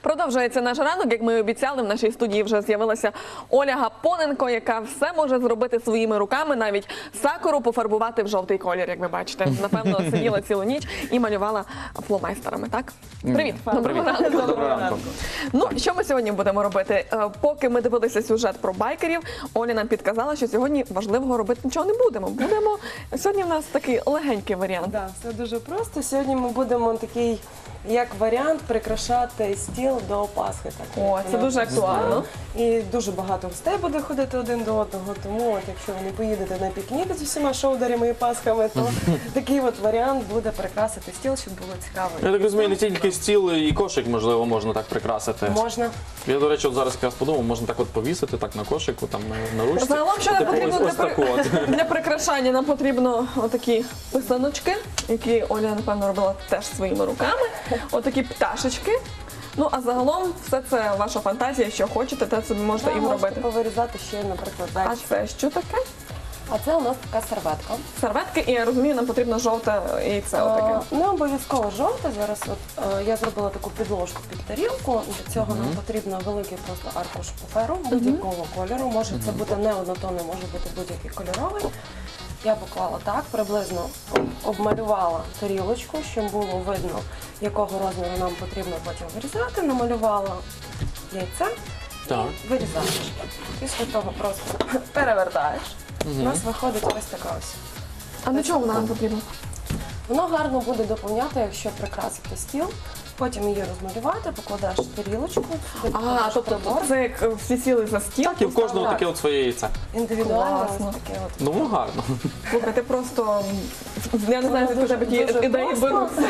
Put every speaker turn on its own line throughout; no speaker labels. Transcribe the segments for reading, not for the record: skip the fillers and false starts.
Продовжується наш ранок, як ми і обіцяли, в нашій студії вже з'явилася Оля Гапоненко, яка все може зробити своїми руками, навіть сакуру пофарбувати в жовтий колір, як ви бачите. Напевно, сиділа цілу ніч і малювала фломайстерами, так? Привіт!
Доброго ранку.
Ну, що ми сьогодні будемо робити? Поки ми дивилися сюжет про байкерів, Оля нам підказала, що сьогодні важливого робити нічого не будемо. Сьогодні в нас такий легенький варіант.
Так, все дуже просто. Сьогодні ми будемо такий, як варіант, прикрашати стіл до Пасхи. Так,
О, це дуже актуально.
І дуже багато гостей буде ходити один до одного, тому от, якщо ви не поїдете на пікнік з усіма шоударями і пасхами, то такий от варіант буде прикрасити стіл, щоб було цікаво.
Я так розумію, не тільки стіл і кошик, можливо, можна так прикрасити.
Можна.
Я, до речі, от зараз якраз подумав, можна так от повісити так на кошику, там на ручці.
Загалом, що нам
Типу,
потрібно
ось таку от.
для прикрашання? Нам потрібно отакі писаночки, які Оля, напевно, робила теж своїми руками. Отакі пташечки. Ну, а загалом все це ваша фантазія, що хочете, те собі можете і
Можете
робити.
повирізати ще, наприклад,
А
зайчика.
це що таке?
А це у нас така серветка.
Серветки, і я розумію, нам потрібно жовте яйце отаке.
Не обов'язково жовте. Зараз от, я зробила таку підложку під тарілку. Для цього нам потрібно великий просто аркуш паперу будь-якого кольору. Може це бути не однотонний, може бути будь-який кольоровий. Я поклала так, приблизно обмалювала тарілочку, щоб було видно, якого розміру нам потрібно потім вирізати. Намалювала яйце
Так.
і вирізаєш. Після того просто перевертаєш. У нас виходить ось така ось.
А для чого вона нам потрібна?
Воно гарно буде доповняти, якщо прикрасити стіл, потім її розмалювати, покладаєш тарілочку, сюди
А,
покладеш
тобто
прибор.
це як всі сіли за стіл.
Так, і в кожного таке от своє яйце.
Індивідуально
Класно.
ось таке от.
Ну, гарно.
Слухай, ти просто, я не знаю, звідки у тебе
Дуже
такі ідеї
просто.
беруться.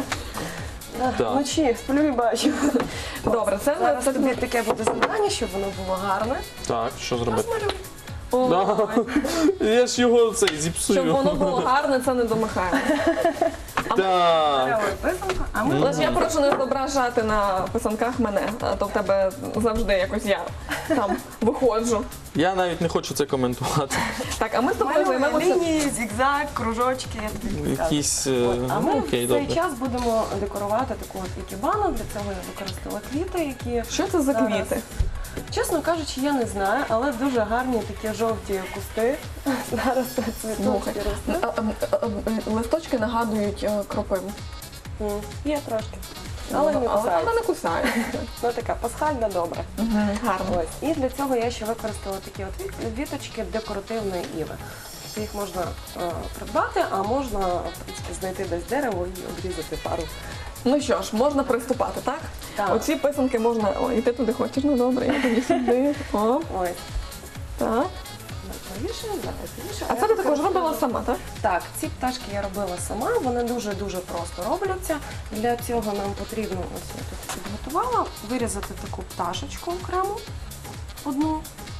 Так.
Вночі сплю і бачу.
Добре, це
Зараз тобі таке буде завдання, щоб воно було гарне.
Так, що зробити?
Розмалюй.
Да. Я ж його цей
Щоб
зіпсую.
воно було гарне, це не до Михайла.
Так.
Малюй писанку, а ми
Але ж я прошу не зображати на писанках мене, а то в тебе завжди якось я там виходжу.
Я навіть не хочу це коментувати.
Так, а ми з тобою
малюємо
займемося.
лінії, зігзаг, кружочки. Я тобі підказую.
Якісь...
А ми
окей,
в цей
добре.
час будемо декорувати таку от ікебану. Для цього я використала квіти, які
Що це за
зараз-
квіти?
Чесно кажучи, я не знаю, але дуже гарні такі жовті кусти. Зараз цвітуть
Слухай,
і ростуть.
листочки нагадують кропиву.
Є трошки. Але не
Але
кусають.
вона не кусає.
Ну така пасхальна, добре.
Гарно.
Ось. І для цього я ще використала такі от віточки декоративної іви. Тобто їх можна придбати, а можна в принципі, знайти десь дерево і обрізати пару.
Ну що ж, можна приступати, так?
Так.
Оці писанки можна. О, і ти туди хочеш, ну добре, я тоді сюди. О,
Ось.
так.
Повішаємо, зараз повішаємо.
А це ти також робила сама, так?
Так, ці пташки я робила сама, вони дуже-дуже просто робляться. Для цього нам потрібно, ось я тут підготувала, вирізати таку пташечку окремо, одну.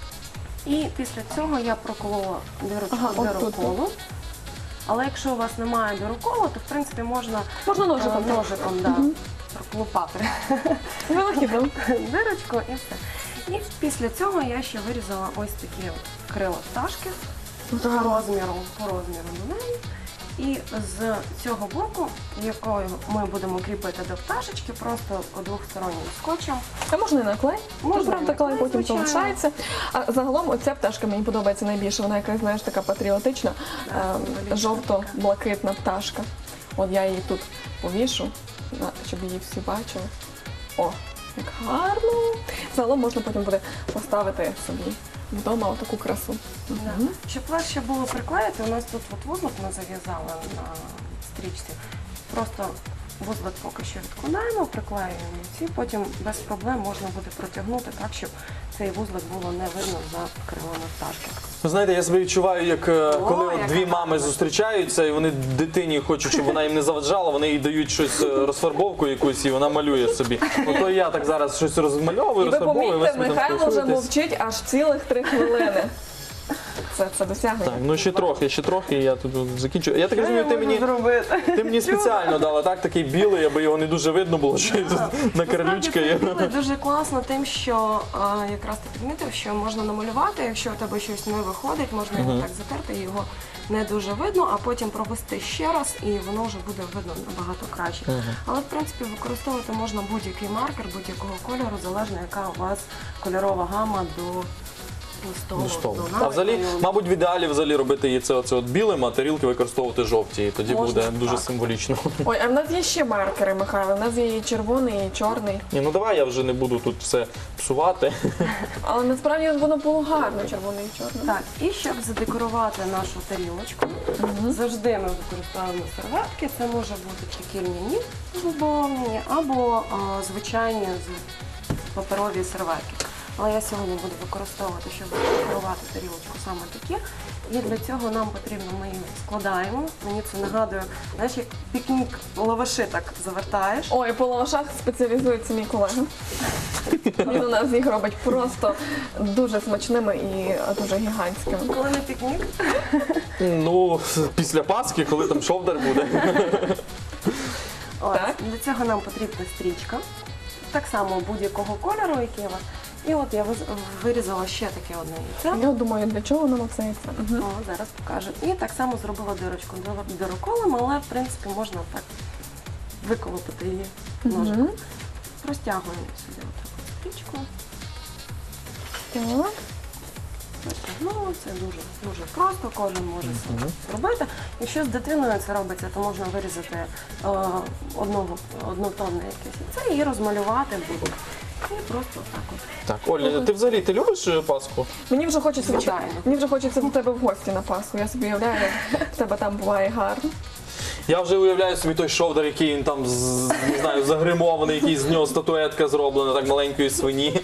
І після цього я проколола дирочку
Ага, от тут.
дироколу. Але якщо у вас немає дироколу, то в принципі можна
Можна ножиком.
ножиком да, проклопати
Вилахідно.
дирочку і все. І після цього я ще вирізала ось такі от крила пташки по розміру до неї. І з цього боку, якою ми будемо кріпити до пташечки, просто двохстороннім скотчем.
А можна і на клей?
Можна і
Правда,
на
клей
клей,
потім
звичайно.
залишається. А загалом оця пташка мені подобається найбільше. Вона якась, знаєш, така патріотична,
символічна.
жовто-блакитна пташка. От я її тут повішу, щоб її всі бачили. О, як гарно. Загалом можна потім буде поставити собі вдома отаку красу. Мгм.
Щоб легше було приклеїти, у нас тут от вузлик ми зав'язали на стрічці. Просто вузлик поки що відкладаємо, приклеюємо ці, потім без проблем можна буде протягнути так, щоб цей вузлик було не видно за крилами пташки.
Ви знаєте, я себе відчуваю, як коли от
яка
дві мами зустрічаються, і вони дитині хочуть, щоб вона їм не заважала, вони їй дають щось розфарбовку якусь, і вона малює собі. Ото я так зараз щось розмальовую,
І ви
розфарбовую, ви
помітьте,
собі там
Михайло вже
спілкуєтесь.
мовчить аж цілих 3 хвилини. це досягнення.
Так, ну ще трохи, і я тут закінчу. Я так розумію, ти мені спеціально дала такий білий, аби його не дуже видно було, що я тут на карлючка є.
Насправді, це дуже класно тим, що якраз ти підмітив, що можна намалювати, якщо у тебе щось не виходить, можна його так затерти, і його не дуже видно, а потім провести ще раз, і воно вже буде видно набагато краще. Але, в принципі, використовувати можна будь-який маркер, будь-якого кольору, залежно яка у вас кольорова гама до столу.
А взагалі, мабуть, в ідеалі взагалі робити її це білим, а тарілки використовувати жовті, і тоді
Можна,
буде дуже
так.
символічно.
Ой, а в нас є ще маркери, Михайло. У нас є і червоний, і чорний.
Ні, ну давай я вже не буду тут все псувати.
Але насправді воно було гарно, червоний і чорний.
Так, і щоб задекорувати нашу тарілочку, завжди ми використовуємо серветки. Це може бути такі льняні збавлені або звичайні паперові серветки. Але я сьогодні буду використовувати, щоб декорувати тарілочку саме такі. І для цього нам потрібно, ми її складаємо. Мені це нагадує, знаєш, як пікнік лаваши так завертаєш.
Ой, по лавашах спеціалізується мій колега. Він у нас їх робить просто дуже смачними і дуже гігантськими.
Коли не пікнік,
Ну, після Пасхи, коли там шовдар буде.
ось,
Так.
для цього нам потрібна стрічка. Так само будь-якого кольору, який у вас. І от я вирізала ще таке одне яйце.
Я думаю, для чого нам це яйце? Мгм.
О, зараз покажу. І так само зробила дирочку дироколем, але в принципі можна так виколопити її ножиком. Розтягуємо сюди отаку стрічку.
Так.
Розтягнули, це дуже просто, кожен може це зробити. Якщо з дитиною це робиться, то можна вирізати однотонне якесь яйце і розмалювати буде. І просто так от.
Так, Оля, ти взагалі любиш Пасху?
Мені вже хочеться
Звичайно.
мені вже хочеться до тебе в гості на Пасху. Я собі уявляю, як в тебе там буває гарно.
Я вже уявляю собі той шовдар, який він там, не знаю, загримований, який з нього статуетка зроблена, так маленької свині.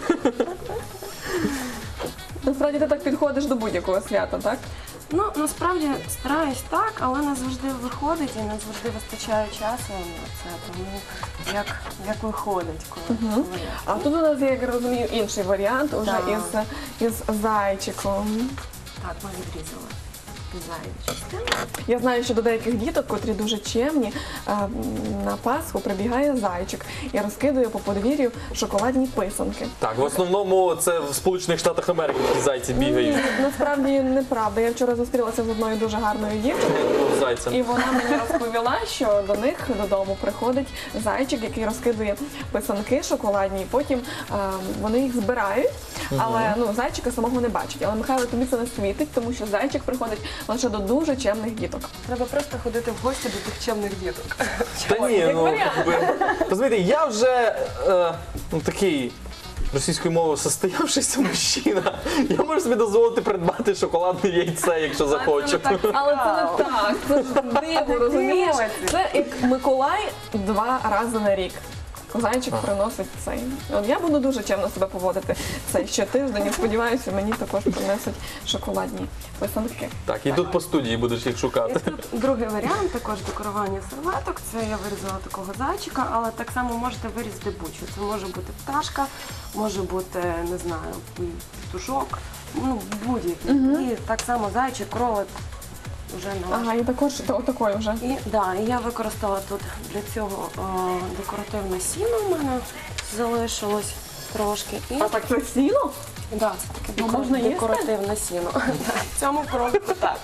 Насправді ти так підходиш до будь-якого свята, так?
Ну, насправді стараюсь так, але не завжди виходить і не завжди вистачає часу на це. Тому як виходить, коли
А тут у нас є, як я розумію, інший варіант уже
Так.
із зайчиком.
так, ми відрізали зайві частини.
Я знаю, що до деяких діток, котрі дуже чемні, на Пасху прибігає зайчик і розкидує по подвір'ю шоколадні писанки.
Так, в основному це в Сполучених Штатах Америки такі зайці бігають
Насправді неправда. Я вчора зустрілася з одною дуже гарною дівчиною.
з зайцем.
І вона мені розповіла, що до них додому приходить зайчик, який розкидує писанки шоколадні, і потім вони їх збирають, але зайчика самого не бачать. Але Михайло, тобі це не світить, тому що зайчик приходить лише до дуже чемних діток.
Треба просто ходити в гості до тих чемних діток.
Та ні,
як
ну,
варіант.
розумієте, я вже такий російською мовою состоявшийся мужчина. Я можу собі дозволити придбати шоколадне яйце, якщо захочу.
Але це не так, це ж диво, розумієш? Це як Миколай 2 рази на рік. Зайчик приносить цей. От я буду дуже чемно себе поводити цей щотиждень і сподіваюся, мені також принесуть шоколадні писанки.
Так, і тут по студії будеш їх
І
шукати.
тут другий варіант, також декорування серветок. Це я вирізала такого зайчика, але так само можете вирізати будь-що. Це може бути пташка, може бути, не знаю, петушок, ну будь-який. І так само зайчик, кролик. Вже на
Ага, і також отакої вже.
І я використала тут для цього декоративне сіно в мене залишилось трошки. І
А так це сіно?
це таке
можна їсти?
декоративне сіно. В цьому кролику так.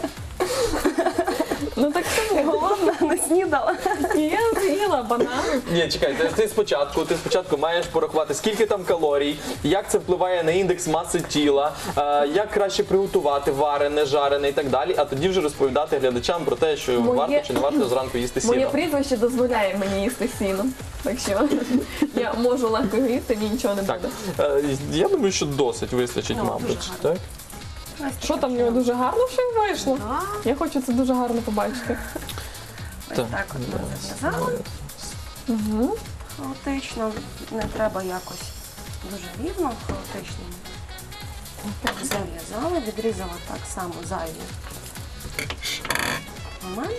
Ну так це не
Голодна, не снідала.
І я з'їла банан.
Ні, чекай, ти спочатку маєш порахувати, скільки там калорій, як це впливає на індекс маси тіла, як краще приготувати варене, жарене і так далі, а тоді вже розповідати глядачам про те, що варто чи не варто зранку їсти
Моє
сіно.
прізвище дозволяє мені їсти сіно. Так що я можу легко його їсти, мені нічого не
Так,
буде.
я думаю, що досить вистачить,
Ну, дуже
мабуть.
гарно.
Так?
Що там в нього дуже гарно все вийшло?
Так.
Я хочу це дуже гарно побачити.
Ось так от ми зав'язали. Хаотично, не треба якось дуже рівно, хаотично. Зав'язали, відрізала так само зайві моменти.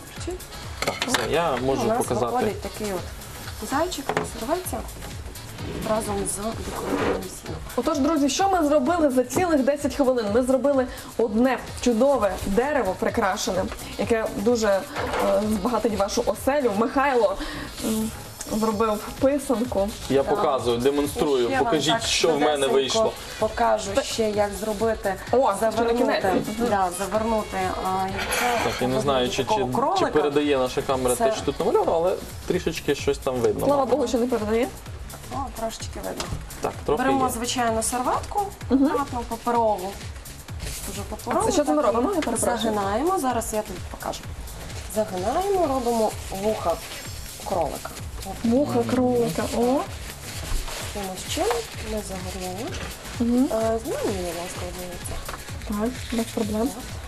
Так, все, я
У
можу
нас
показати.
виходить такий от зайчик на серветці. разом з декоративним сіном.
Отож, друзі, що ми зробили за цілих 10 хвилин? Ми зробили одне чудове дерево прикрашене, яке дуже збагатить вашу оселю. Михайло зробив писанку.
Я показую, демонструю.
Ще вам
Покажіть,
так
що в мене
швидесенько
вийшло.
Покажу ще, як зробити,
О, це ще на кінець.
завернути яйце.
Так, я не знаю, чи передає наша камера
Це-
те, що тут намальовано, але трішечки щось там видно.
Слава Богу, що не передає.
О, трошечки видно.
Так, трохи
Беремо
є.
звичайну серветку, акуратну, паперову. Дуже паперову.
Це що це ми
так,
робимо? Я перепрошую.
Загинаємо, зараз я тобі покажу. Загинаємо, робимо вуха кролика. От
Муха, кролика. О,
якимось чином ми загорнули. Знімай мені, будь ласка, одне яйце.
так, без проблем.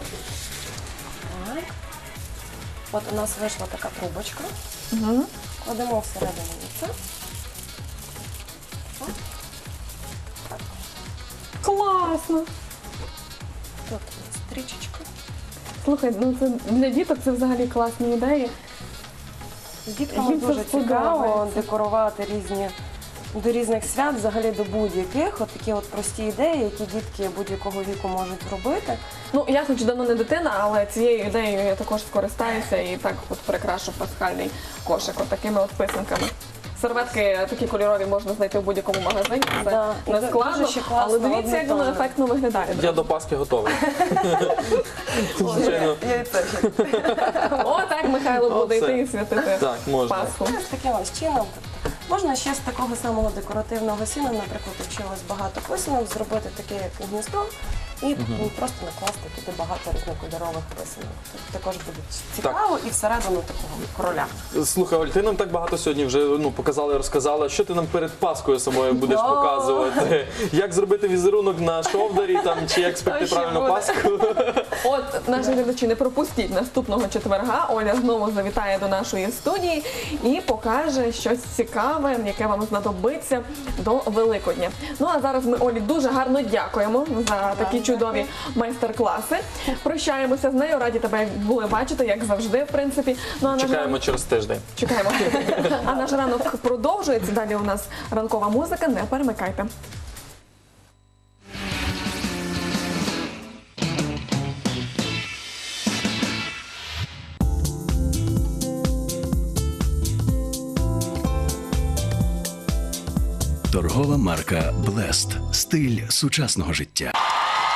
Так. От у нас вийшла така трубочка. Кладемо всередину яйця.
Класно.
Тут у нас стрічечка.
Слухай, ну це для діток це взагалі класні ідеї.
З дітками
Їм це
дуже цікаво
сподобається.
декорувати до різних свят, взагалі до будь-яких. От такі от прості ідеї, які дітки будь-якого віку можуть зробити.
Ну, я хоч давно не дитина, але цією ідеєю я також скористаюся і так от прикрашу пасхальний кошик от такими от писанками. Серветки такі кольорові можна знайти в будь-якому магазині. Це
Да, і
не
дуже
складно,
ще класно,
але дивіться, як воно
однотонно.
ефектно виглядає.
Я до Пасхи готовий. Звичайно.
Яйце.
О, так Михайло буде
Оце.
йти і святити
Так, можна.
Пасху.
Ось таким ось чином. Можна ще з такого самого декоративного сіна, наприклад, якщо у вас багато писанок, зробити таке як гніздо і просто накласти туди багато різнокольорових писанок. Тут також буде цікаво і всередину такого кроля.
Слухай, Оль, ти нам так багато сьогодні вже показала і розказала. Що ти нам перед Паскою самою будеш
О!
показувати? Як зробити візерунок на шовдарі там, чи як спекти
Ще
правильно
буде.
Пасху?
От, наші глядачі, не пропустіть наступного четверга. Оля знову завітає до нашої студії і покаже щось цікаве, яке вам знадобиться до Великодня. Ну а зараз ми Олі дуже гарно дякуємо за такі чудові майстер-класи. Прощаємося з нею, раді тебе були бачити, як завжди, в принципі. Ну, а наш
Чекаємо через тиждень.
Чекаємо. А наш ранок продовжується. Далі у нас ранкова музика. Не перемикайте.
Торгова марка Blessed. Стиль сучасного життя.